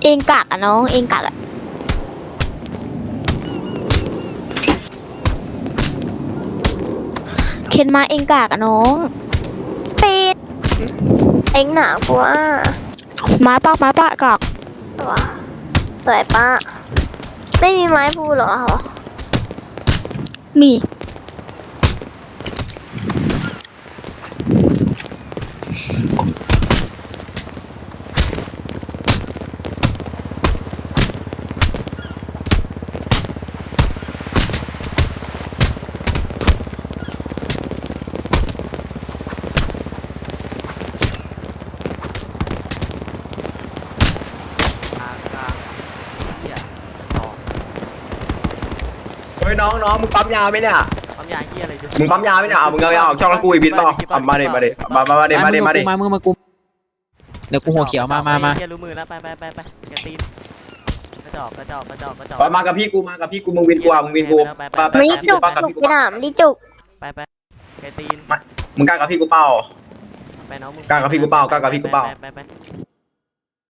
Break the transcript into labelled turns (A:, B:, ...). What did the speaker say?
A: เองกากอะน้องเองกากอะเคนมาเองกากอะน้อง
B: ปีดเอ็งหนากูอ่ะ
A: มาปะกาก
B: ว้าสวยปะไม่มีไม้พูเหรอ
A: มี
C: เฮ้ยน้องมึงปั๊มยาไหมเนี่ย
D: ปั๊มยาเฮียอะไรดู
C: มึงปั๊มยาไหมเนี่ยมึงเอาช่องละกูอีกบินเปล่ามาดิ
E: มากูเดี๋ยวกูหัวเขียวมา
D: เฮียรู้มือแล้วไปแกตีนกระจอก
C: มากับพี่กูมึงวินกูมึงวินกูไป
B: ไม่จุกจุกไปหนามดิจุก
D: ไปแกตีน
C: มึงกล้ากับพี่กูเปล่า
D: ไปน้องมึง
C: กล้ากับพี่กูเปล่า
D: ไป